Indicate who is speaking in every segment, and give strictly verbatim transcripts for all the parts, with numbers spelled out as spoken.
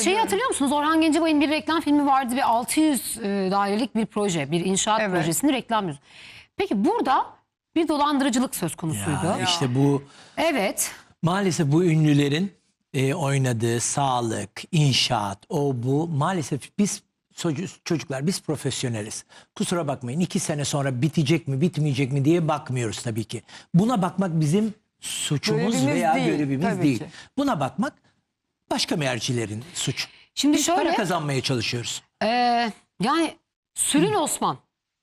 Speaker 1: şeyi hatırlıyor musunuz? Orhan Gencebay'ın bir reklam filmi vardı. Bir altı yüz e, dairelik bir proje. Bir inşaat
Speaker 2: Evet.
Speaker 1: projesini reklam yüzü. Peki burada bir dolandırıcılık söz konusuydu.
Speaker 3: Ya, işte bu
Speaker 1: Evet.
Speaker 3: maalesef bu ünlülerin e, oynadığı sağlık, inşaat, o bu maalesef biz çocuklar biz profesyoneliz. Kusura bakmayın iki sene sonra bitecek mi bitmeyecek mi diye bakmıyoruz tabii ki. Buna bakmak bizim suçumuz
Speaker 2: Görevimiz
Speaker 3: veya
Speaker 2: değil,
Speaker 3: görevimiz
Speaker 2: tabii
Speaker 3: değil.
Speaker 2: ki.
Speaker 3: Buna bakmak başka mercilerin suçu.
Speaker 1: Şimdi
Speaker 3: Biz para
Speaker 1: şöyle
Speaker 3: kazanmaya çalışıyoruz.
Speaker 1: e, yani Sülün Osman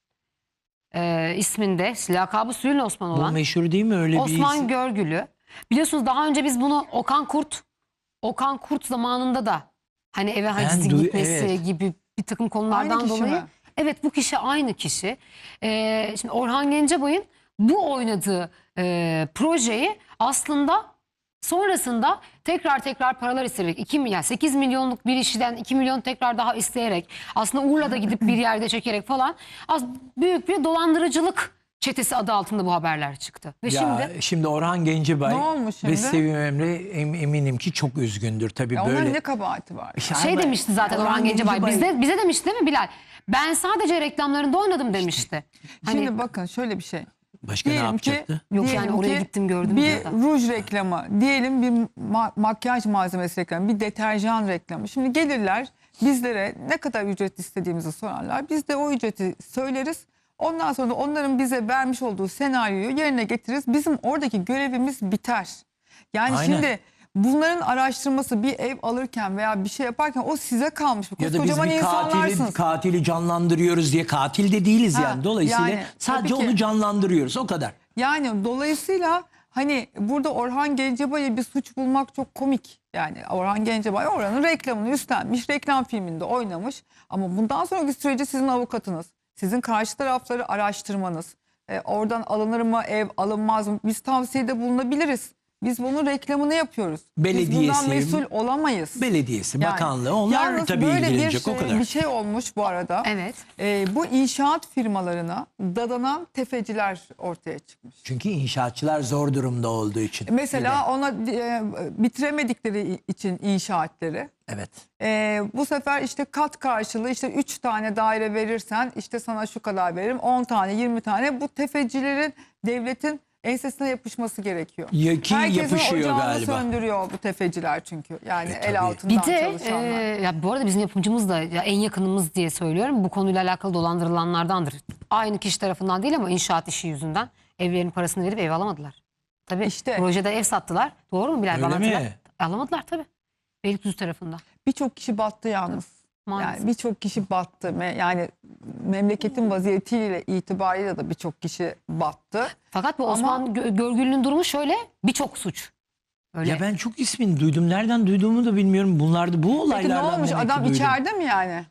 Speaker 1: e, isminde lakabı Sülün Osman
Speaker 3: Bu
Speaker 1: olan
Speaker 3: meşhur değil mi öyle bir
Speaker 1: Osman
Speaker 3: isim?
Speaker 1: Görgülü. Biliyorsunuz daha önce biz bunu Okan Kurt Okan Kurt zamanında da hani eve hacizi
Speaker 3: duy-
Speaker 1: gitmesi
Speaker 3: evet.
Speaker 1: gibi bir takım konulardan
Speaker 2: Aynı kişi
Speaker 1: dolayı.
Speaker 2: mi?
Speaker 1: Evet, bu kişi aynı kişi. Ee, şimdi Orhan Gencebay'ın bu oynadığı e, projeyi aslında sonrasında tekrar tekrar paralar isteyerek iki yani sekiz milyonluk bir işten iki milyon tekrar daha isteyerek aslında Urla'da gidip bir yerde çekerek falan az büyük bir dolandırıcılık çetesi adı altında bu haberler çıktı. Ve
Speaker 3: Ya,
Speaker 1: şimdi
Speaker 3: şimdi Orhan Gencebay
Speaker 2: Ne olmuş
Speaker 3: ve
Speaker 2: şimdi?
Speaker 3: Sevim Emre em- eminim ki çok üzgündür tabii
Speaker 2: Ya
Speaker 3: böyle.
Speaker 2: onların ne kabahati var?
Speaker 1: şey demişti zaten Orhan Gencebay. Bizde, bize demişti değil mi Bilal? Ben sadece reklamlarında oynadım demişti. Hani
Speaker 2: Şimdi bakın şöyle bir şey.
Speaker 3: Başka ne
Speaker 2: Diyelim ki-
Speaker 3: yapacaktı?
Speaker 1: Yok
Speaker 2: diyelim
Speaker 1: yani oraya
Speaker 2: ki
Speaker 1: gittim gördüm
Speaker 2: Bir
Speaker 1: diyor da.
Speaker 2: ruj reklamı, diyelim bir ma- makyaj malzemesi reklamı, bir deterjan reklamı. Şimdi gelirler bizlere ne kadar ücret istediğimizi sorarlar. Biz de o ücreti söyleriz. Ondan sonra da onların bize vermiş olduğu senaryoyu yerine getiririz. Bizim oradaki görevimiz biter. Yani
Speaker 3: Aynen.
Speaker 2: şimdi bunların araştırması bir ev alırken veya bir şey yaparken o size kalmış.
Speaker 3: Ya da biz
Speaker 2: Kocaman
Speaker 3: bir katili,
Speaker 2: insanlarsınız.
Speaker 3: katili canlandırıyoruz diye katil de değiliz
Speaker 2: Ha,
Speaker 3: yani. Dolayısıyla
Speaker 2: yani
Speaker 3: sadece
Speaker 2: tabii ki.
Speaker 3: onu canlandırıyoruz o kadar.
Speaker 2: Yani dolayısıyla hani burada Orhan Gencebay'a bir suç bulmak çok komik. Yani Orhan Gencebay oranın reklamını üstlenmiş, reklam filminde oynamış. Ama bundan sonraki süreci sizin avukatınız, sizin karşı tarafları araştırmanız, e, oradan alınır mı ev, alınmaz mı? Biz tavsiyede bulunabiliriz. Biz bunun reklamını yapıyoruz. Biz
Speaker 3: Belediyesi,
Speaker 2: bundan mesul olamayız.
Speaker 3: Belediyesi,
Speaker 2: Yani,
Speaker 3: bakanlığı onlar
Speaker 2: yalnız
Speaker 3: tabii
Speaker 2: böyle
Speaker 3: ilgilenecek
Speaker 2: bir,
Speaker 3: o kadar.
Speaker 2: bir şey olmuş bu arada.
Speaker 1: Evet.
Speaker 2: E, bu inşaat firmalarına dadanan tefeciler ortaya çıkmış.
Speaker 3: Çünkü inşaatçılar zor durumda olduğu için.
Speaker 2: Mesela ona e, bitiremedikleri için inşaatları.
Speaker 3: Evet.
Speaker 2: E, bu sefer işte kat karşılığı işte üç tane daire verirsen işte sana şu kadar veririm. on tane yirmi tane bu tefecilerin devletin ensesine yapışması gerekiyor.
Speaker 3: Ya ki
Speaker 2: Herkesin
Speaker 3: yapışıyor
Speaker 2: ocağını
Speaker 3: galiba.
Speaker 2: söndürüyor bu tefeciler çünkü. Yani
Speaker 3: E, tabii.
Speaker 2: el altından
Speaker 1: Bir de e,
Speaker 2: çalışanlar.
Speaker 1: ya bu arada bizim yapımcımız da ya en yakınımız diye söylüyorum. Bu konuyla alakalı dolandırılanlardandır. Aynı kişi tarafından değil ama inşaat işi yüzünden evlerin parasını verip ev alamadılar. Tabii
Speaker 2: İşte.
Speaker 1: projede ev sattılar. Doğru mu Bilal?
Speaker 3: Öyle
Speaker 1: Bana
Speaker 3: mi?
Speaker 1: hatırlat. Alamadılar tabii. Beylikdüzü tarafında.
Speaker 2: Birçok kişi battı yalnız.
Speaker 1: Maalesef.
Speaker 2: Yani birçok kişi battı. Me- Yani memleketin vaziyetiyle itibariyle de birçok kişi battı.
Speaker 1: Fakat bu
Speaker 2: Ama-
Speaker 1: Osman Gö- Görgül'ün durumu şöyle, birçok suç. Öyle.
Speaker 3: Ya ben çok ismini duydum. Nereden duyduğumu da bilmiyorum. Bunlarda bu
Speaker 2: Peki ne
Speaker 3: olaylardan
Speaker 2: olmuş?
Speaker 3: demek ki
Speaker 2: Adam
Speaker 3: duydum.
Speaker 2: içeride mi yani?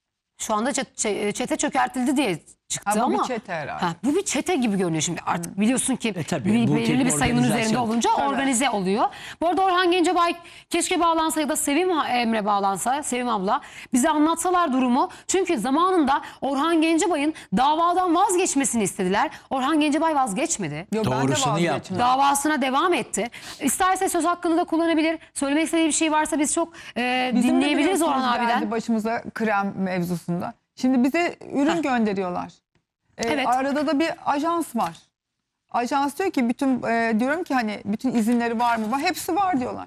Speaker 1: Şu anda çet- çe- çete çökertildi diye çıktı
Speaker 2: Ha, bu bir
Speaker 1: ama
Speaker 2: çete herhalde.
Speaker 1: ha, bu bir çete gibi görünüyor şimdi. Artık biliyorsun ki
Speaker 3: E, tabii,
Speaker 1: bir,
Speaker 3: bu
Speaker 1: belirli
Speaker 3: tip
Speaker 1: bir sayının üzerinde
Speaker 3: organizasyon.
Speaker 1: olunca
Speaker 2: Tabii.
Speaker 1: organize oluyor. Bu arada Orhan Gencebay keşke bağlansa ya da Sevim Emre bağlansa, Sevim abla bize anlatsalar durumu. Çünkü zamanında Orhan Gencebay'ın davadan vazgeçmesini istediler. Orhan Gencebay vazgeçmedi.
Speaker 2: Yok, ben de
Speaker 3: Doğrusunu
Speaker 2: vazgeçmem.
Speaker 3: yaptı.
Speaker 1: Davasına devam etti. İsterse söz hakkını da kullanabilir. Söylemek istediği bir şey varsa biz çok e,
Speaker 2: Bizim de
Speaker 1: dinleyebiliriz
Speaker 2: biliyorsunuz
Speaker 1: Orhan abiden.
Speaker 2: geldi başımıza krem mevzusunda. Şimdi bize ürün
Speaker 1: Heh.
Speaker 2: gönderiyorlar. Ee,
Speaker 1: Evet.
Speaker 2: Arada da bir ajans var. Ajans diyor ki bütün e, diyorum ki hani bütün izinleri var mı? Var. Hepsi var diyorlar.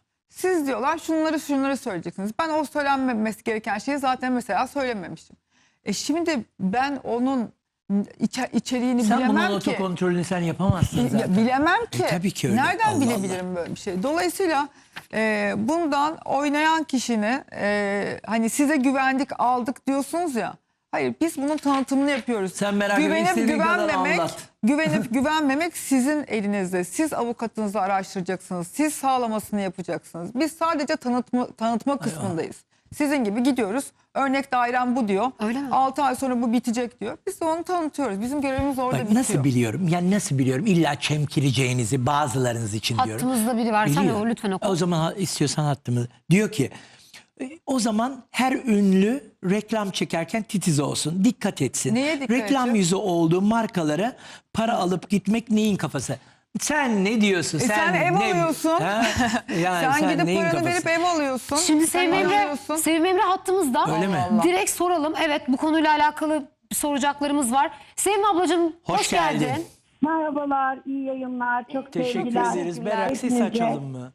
Speaker 2: Siz diyorlar şunları şunları söyleyeceksiniz. Ben o söylenmemesi gereken şeyi zaten mesela söylememiştim. E şimdi ben onun içe, içeriğini
Speaker 3: Sen bunun
Speaker 2: bilemem ki.
Speaker 3: otokontrolünü sen yapamazsın
Speaker 2: Ya,
Speaker 3: zaten.
Speaker 2: bilemem ki.
Speaker 3: E, tabii ki öyle.
Speaker 2: Nereden
Speaker 3: Allah
Speaker 2: bilebilirim böyle bir şey? Dolayısıyla e, bundan oynayan kişinin e, hani size güvendik aldık diyorsunuz ya. Hayır biz bunun tanıtımını yapıyoruz.
Speaker 3: Sen merak etme,
Speaker 2: güvenip
Speaker 3: istediğin kadar
Speaker 2: güvenmemek,
Speaker 3: anlat.
Speaker 2: güvenip güvenmemek sizin elinizde. Siz avukatınızı araştıracaksınız. Siz sağlamasını yapacaksınız. Biz sadece tanıtma, tanıtma kısmındayız. Sizin gibi gidiyoruz. Örnek dairem bu diyor.
Speaker 1: Öyle mi?
Speaker 2: altı ay sonra bu bitecek diyor. Biz de onu tanıtıyoruz. Bizim görevimiz orada
Speaker 3: Bak
Speaker 2: bitiyor.
Speaker 3: nasıl biliyorum? Yani nasıl biliyorum? İlla çemkireceğinizi bazılarınız için diyorum.
Speaker 1: Hattımızda biri varsa
Speaker 3: Biliyor.
Speaker 1: o lütfen oku.
Speaker 3: O zaman ha- istiyorsan hattımı. Diyor ki e, o zaman her ünlü reklam çekerken titiz olsun. Dikkat etsin.
Speaker 2: Neye dikkat
Speaker 3: Reklam
Speaker 2: edecek?
Speaker 3: yüzü olduğu markalara para alıp gitmek neyin kafası? Sen ne diyorsun?
Speaker 2: E sen ev
Speaker 3: ne-
Speaker 2: alıyorsun.
Speaker 3: Ha? Yani
Speaker 2: sen, gidip
Speaker 3: neyin
Speaker 2: paranı
Speaker 3: kafası?
Speaker 2: verip ev alıyorsun.
Speaker 1: Şimdi
Speaker 2: Sen
Speaker 1: Sevim Emre,
Speaker 2: alıyorsun.
Speaker 1: Sevim Emre hattımızda.
Speaker 3: Öyle mi?
Speaker 2: Allah Allah.
Speaker 1: Direkt soralım. Evet, bu konuyla alakalı soracaklarımız var. Sevim ablacığım hoş,
Speaker 3: Hoş geldin.
Speaker 1: geldin.
Speaker 4: Merhabalar, iyi yayınlar. Çok
Speaker 3: Teşekkür
Speaker 4: sevgiler.
Speaker 3: ederiz. Berrak ses
Speaker 4: Hepinize.
Speaker 3: açalım mı?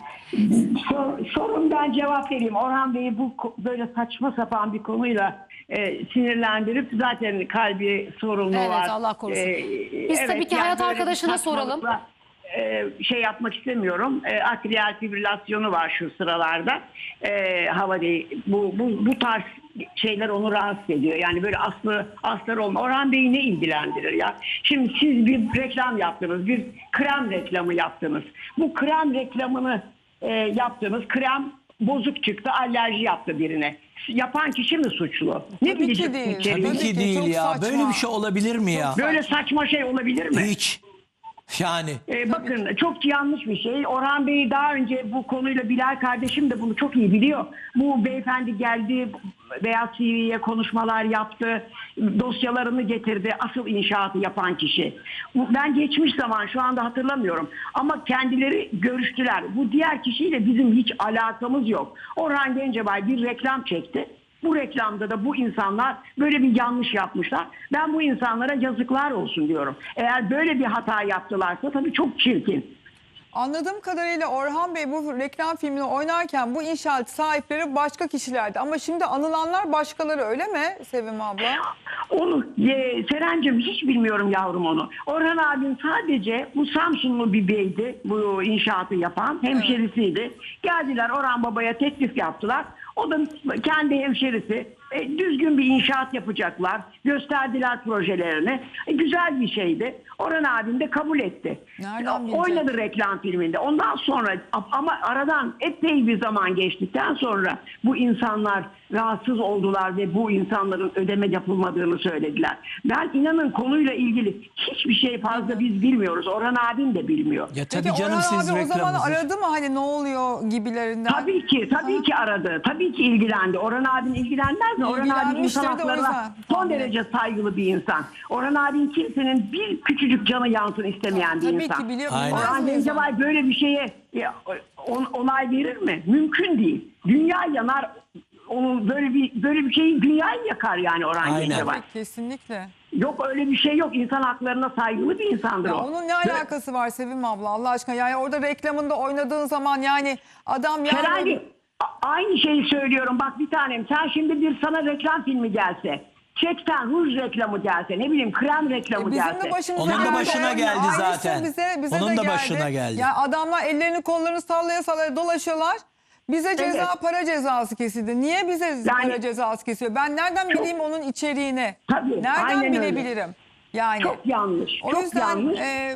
Speaker 4: Sor, sorun ben cevap vereyim. Orhan Bey'i bu ko- böyle saçma sapan bir konuyla e, sinirlendirip zaten kalbi sorunlu
Speaker 1: Evet,
Speaker 4: var.
Speaker 1: Allah korusun.
Speaker 4: E,
Speaker 1: Biz tabii ki hayat
Speaker 4: böyle bir
Speaker 1: arkadaşına soralım.
Speaker 4: saçmalıkla, e, şey yapmak istemiyorum. E, atrial fibrilasyonu var şu sıralarda. E, hava değil. Bu, bu, bu tarz şeyler onu rahatsız ediyor. Yani böyle aslı asları olma. Orhan Bey'i ne ilgilendirir ya? Şimdi siz bir reklam yaptınız. Bir krem reklamı yaptınız. Bu krem reklamını e, yaptınız. Krem bozuk çıktı. Alerji yaptı birine. Yapan kişi mi suçlu? Ne
Speaker 2: Tabii ki
Speaker 4: bilecek
Speaker 2: değil.
Speaker 4: içeriği?
Speaker 3: Tabii
Speaker 2: Tabii
Speaker 3: ki
Speaker 2: ki,
Speaker 3: değil
Speaker 2: çok
Speaker 3: ya.
Speaker 2: saçma.
Speaker 3: Böyle bir şey olabilir mi ya?
Speaker 4: Böyle saçma şey olabilir mi?
Speaker 3: Hiç. Yani
Speaker 4: Ee, bakın çok yanlış bir şey. Orhan Bey daha önce bu konuyla Bilal kardeşim de bunu çok iyi biliyor. Bu beyefendi geldi Beyaz T V'ye konuşmalar yaptı. Dosyalarını getirdi. Asıl inşaatı yapan kişi. Bu- Ben geçmiş zaman şu anda hatırlamıyorum. Ama kendileri görüştüler. Bu diğer kişiyle bizim hiç alakamız yok. Orhan Gencebay bir reklam çekti. Bu reklamda da bu insanlar böyle bir yanlış yapmışlar. Ben bu insanlara yazıklar olsun diyorum. Eğer böyle bir hata yaptılarsa tabii çok çirkin.
Speaker 2: Anladığım kadarıyla Orhan Bey bu reklam filmini oynarken bu inşaat sahipleri başka kişilerdi. Ama şimdi anılanlar başkaları, öyle mi Sevim abla?
Speaker 4: Onu e, Serencim hiç bilmiyorum yavrum onu. Orhan abim sadece bu Samsunlu bir beydi. Bu inşaatı yapan hemşerisiydi. Geldiler Orhan Baba'ya teklif yaptılar. O da kendi hemşerisi. E, düzgün bir inşaat yapacaklar. Gösterdiler projelerini. E, güzel bir şeydi. Orhan abim de kabul etti.
Speaker 2: Nereden bilecek?
Speaker 4: Oynadı reklam filminde. Ondan sonra ama aradan epey bir zaman geçtikten sonra bu insanlar rahatsız oldular ve bu insanların ödeme yapılmadığını söylediler. Ben inanın konuyla ilgili hiçbir şey fazla biz bilmiyoruz. Orhan abim de bilmiyor.
Speaker 3: ya tabii
Speaker 2: Peki
Speaker 3: canım
Speaker 2: Orhan
Speaker 3: siz
Speaker 2: abi o zaman
Speaker 3: reklamınızı.
Speaker 2: aradı mı hani ne oluyor gibilerinden?
Speaker 4: Tabii ki, tabii ki aradı. Tabii ki ilgilendi. Orhan abin ilgilenmez mi? Orhan abin
Speaker 2: İlgilenmiştir
Speaker 4: insan
Speaker 2: de o
Speaker 4: haklarına
Speaker 2: yüzden.
Speaker 4: son
Speaker 2: Tahmin
Speaker 4: derece saygılı bir insan. Orhan abin kimsenin bir küçücük canı yansın istemeyen bir
Speaker 2: Tabii
Speaker 4: insan.
Speaker 2: ki biliyorum.
Speaker 3: Aynen.
Speaker 2: bilmez
Speaker 4: Orhan
Speaker 2: miyiz?
Speaker 4: Gencebay böyle bir şeye ya, on- onay verir mi? Mümkün değil. Dünya yanar. Onun böyle bir böyle bir şeyi dünyayı yakar yani Orhan
Speaker 3: Aynen.
Speaker 4: Gencebay.
Speaker 2: Tabii, kesinlikle.
Speaker 4: Yok öyle bir şey yok. İnsan haklarına saygılı bir insandır
Speaker 2: Ya
Speaker 4: o.
Speaker 2: onun ne alakası var Sevim abla Allah aşkına? Yani orada reklamında oynadığın zaman yani adam yani...
Speaker 4: Herhalde a- aynı şeyi söylüyorum. Bak bir tanem sen şimdi bir sana reklam filmi gelse, çekten ruj reklamı gelse, ne bileyim krem reklamı
Speaker 2: Bizim
Speaker 4: gelse.
Speaker 2: de başımıza
Speaker 3: Onun da
Speaker 2: geldi.
Speaker 3: başına geldi
Speaker 2: Aynısı
Speaker 3: zaten.
Speaker 2: Bize, bize
Speaker 3: Onun
Speaker 2: de
Speaker 3: da
Speaker 2: geldi.
Speaker 3: başına geldi.
Speaker 2: Yani adamlar ellerini kollarını sallaya sallaya dolaşıyorlar. Bize ceza
Speaker 4: Evet.
Speaker 2: para cezası kesildi. Niye bize
Speaker 4: Yani-
Speaker 2: para cezası kesiyor? Ben nereden
Speaker 4: Çok-
Speaker 2: bileyim onun içeriğini?
Speaker 4: Tabii,
Speaker 2: Nereden
Speaker 4: aynen öyle.
Speaker 2: bilebilirim? Yani
Speaker 4: Çok yanlış.
Speaker 2: o
Speaker 4: çok
Speaker 2: yüzden
Speaker 4: yanlış.
Speaker 2: e, e,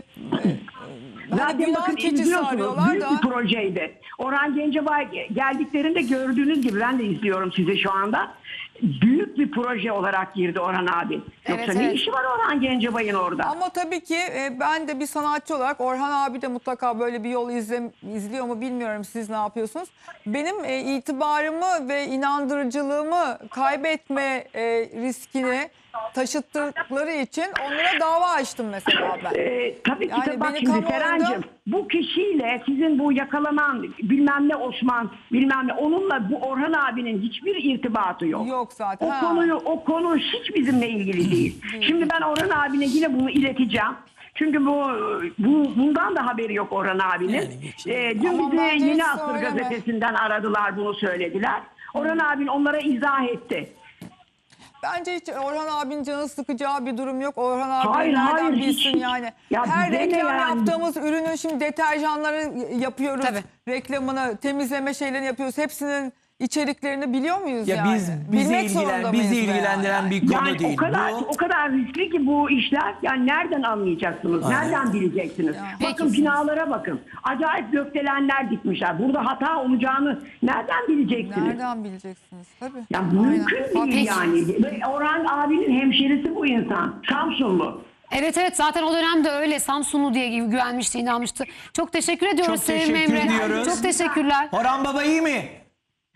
Speaker 2: hani
Speaker 4: Zaten
Speaker 2: günah
Speaker 4: bakın
Speaker 2: keçisi
Speaker 4: izliyorsunuz.
Speaker 2: arıyorlar
Speaker 4: Büyük
Speaker 2: da.
Speaker 4: bir projeydi. Orhan Gencebay geldiklerinde gördüğünüz gibi ben de izliyorum sizi şu anda. Büyük bir proje olarak girdi Orhan abi. Yoksa
Speaker 1: Evet,
Speaker 4: ne
Speaker 1: evet.
Speaker 4: işi var Orhan Gencebay'ın orada?
Speaker 2: Ama tabii ki e, ben de bir sanatçı olarak Orhan abi de mutlaka böyle bir yol izle, izliyor mu bilmiyorum, siz ne yapıyorsunuz? Benim e, itibarımı ve inandırıcılığımı kaybetme e, riskini taşıttıkları için onlara dava açtım mesela ben.
Speaker 4: Ee, tabii ki
Speaker 2: Yani
Speaker 4: de bak
Speaker 2: beni
Speaker 4: şimdi
Speaker 2: kamuoyunda-
Speaker 4: Serencim bu kişiyle sizin bu yakalanan bilmem ne Osman bilmem ne onunla bu Orhan abinin hiçbir irtibatı yok.
Speaker 2: Yok zaten.
Speaker 4: O
Speaker 2: Ha.
Speaker 4: konuyu o konu hiç bizimle ilgili değil. Şimdi ben Orhan abine yine bunu ileteceğim. Çünkü bu, bu bundan da haberi yok Orhan abinin.
Speaker 3: Yani geçin.
Speaker 4: Ee, dün
Speaker 2: Aman
Speaker 4: bize
Speaker 2: bence
Speaker 4: Yeni
Speaker 2: hiç
Speaker 4: Asır
Speaker 2: söyleme.
Speaker 4: gazetesinden aradılar, bunu söylediler. Orhan abin onlara izah etti.
Speaker 2: Bence hiç Orhan abinin canı sıkacağı bir durum yok. Orhan abi
Speaker 4: Hayır,
Speaker 2: nereden
Speaker 4: hayır, hiç,
Speaker 2: bilsin
Speaker 4: hiç.
Speaker 2: yani.
Speaker 4: Ya
Speaker 2: Her
Speaker 4: bize ne
Speaker 2: reklam
Speaker 4: yani?
Speaker 2: yaptığımız ürünün şimdi deterjanları yapıyoruz.
Speaker 1: Tabii.
Speaker 2: Reklamını, temizleme şeylerini yapıyoruz. Hepsinin içeriklerini biliyor muyuz
Speaker 3: Ya
Speaker 2: yani?
Speaker 3: biz bizi
Speaker 2: Bilmek
Speaker 3: ilgilen
Speaker 2: zorunda
Speaker 3: bizi
Speaker 2: mıyız veya
Speaker 3: ilgilendiren
Speaker 2: yani?
Speaker 3: bir konu
Speaker 4: Yani
Speaker 3: değil
Speaker 4: o kadar
Speaker 3: bu.
Speaker 4: o kadar riskli ki bu işler. Yani nereden anlayacaksınız?
Speaker 3: Aynen.
Speaker 4: Nereden bileceksiniz? Bakın
Speaker 1: Peki.
Speaker 4: binalara bakın. Acayip gökdelenler dikmişler. Burada hata olacağını nereden bileceksiniz?
Speaker 2: Nereden bileceksiniz? Tabii.
Speaker 4: Ya
Speaker 2: Aynen.
Speaker 4: mümkün değil
Speaker 1: Peki.
Speaker 4: yani. Ve Orhan abinin hemşerisi bu insan. Samsunlu.
Speaker 1: Evet evet, zaten o dönemde öyle Samsunlu diye güvenmişti, inanmıştı. Çok teşekkür ediyoruz
Speaker 3: Çok
Speaker 1: Sevim
Speaker 3: teşekkür
Speaker 1: Emre.
Speaker 3: ediyoruz.
Speaker 1: Çok teşekkürler.
Speaker 3: Orhan Baba iyi mi?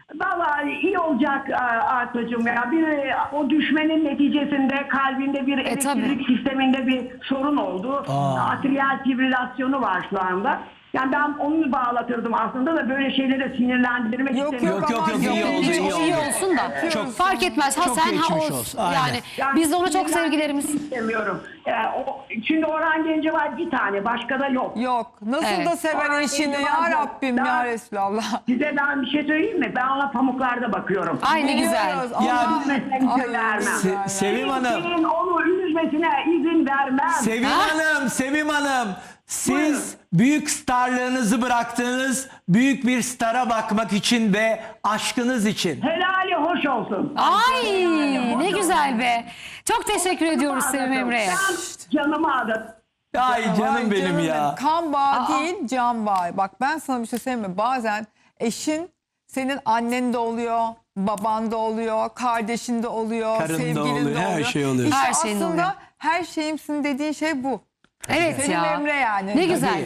Speaker 4: Vallahi iyi olacak Artucuğum ya. Bir o düşmenin neticesinde kalbinde bir elektrik
Speaker 1: tabii.
Speaker 4: sisteminde bir sorun oldu.
Speaker 3: Aa.
Speaker 4: Atriyal fibrilasyonu var şu anda. Yani ben onu bağlatırdım aslında da böyle şeylere sinirlendirmek
Speaker 2: Yok,
Speaker 4: istemiyorum.
Speaker 3: Yok, yok, yok, iyi oldu,
Speaker 1: Hiç
Speaker 3: iyi
Speaker 1: o iyi
Speaker 3: oldu.
Speaker 1: olsun da.
Speaker 3: Çok-
Speaker 1: fark etmez. Ha
Speaker 3: çok
Speaker 1: sen ha
Speaker 3: geçmiş
Speaker 1: o.
Speaker 3: olsun. Aynen.
Speaker 1: Yani,
Speaker 4: Yani
Speaker 1: biz de ona çok
Speaker 4: sinirlendirmek
Speaker 1: sevgilerimiz.
Speaker 4: istemiyorum. Yani o, şimdi Orhan Gencebay bir tane, başka da yok.
Speaker 2: Yok. Nasıl
Speaker 1: Evet.
Speaker 2: da seven
Speaker 4: Orhan
Speaker 2: eşini
Speaker 4: Gencebay
Speaker 2: ya
Speaker 4: yok.
Speaker 2: Rabbim
Speaker 4: Daha-
Speaker 2: ya Resulallah.
Speaker 4: Size ben bir şey söyleyeyim mi? Ben ona pamuklarda bakıyorum.
Speaker 1: Ay ne güzel.
Speaker 2: Biliyoruz.
Speaker 3: Ya,
Speaker 2: Allah-
Speaker 4: üzmesine
Speaker 2: Ay,
Speaker 4: izin vermem.
Speaker 3: Se- Sevim Hanım.
Speaker 4: Senin onu üzmesine izin vermem.
Speaker 3: Sevim
Speaker 1: Ha?
Speaker 3: Hanım, Sevim Hanım. Siz
Speaker 4: Buyurun.
Speaker 3: büyük starlığınızı bıraktınız. Büyük bir stara bakmak için ve aşkınız için.
Speaker 4: Helali hoş olsun.
Speaker 1: Ay
Speaker 4: Helali hoş
Speaker 1: ne
Speaker 4: olsun.
Speaker 1: güzel be. Çok teşekkür ediyoruz Sevim Emre'ye.
Speaker 4: Ben canımı adadım.
Speaker 3: Ay canım
Speaker 2: Ay
Speaker 3: benim
Speaker 2: canım
Speaker 3: ya.
Speaker 2: Kan bağı
Speaker 1: Aa.
Speaker 2: değil, can bağı. Bak ben sana bir şey söyleyeyim mi? Bazen eşin senin annen de oluyor, baban da oluyor, kardeşin de oluyor,
Speaker 3: Karın da
Speaker 2: sevgilin
Speaker 3: oluyor,
Speaker 2: de
Speaker 3: her
Speaker 2: oluyor.
Speaker 3: şey oluyor.
Speaker 2: İşte
Speaker 1: Her şeyin
Speaker 2: aslında
Speaker 1: oluyor.
Speaker 2: her şeyimsin dediğin şey bu.
Speaker 1: Evet
Speaker 2: Sevim
Speaker 1: ya.
Speaker 2: Emre yani.
Speaker 1: Ne güzel.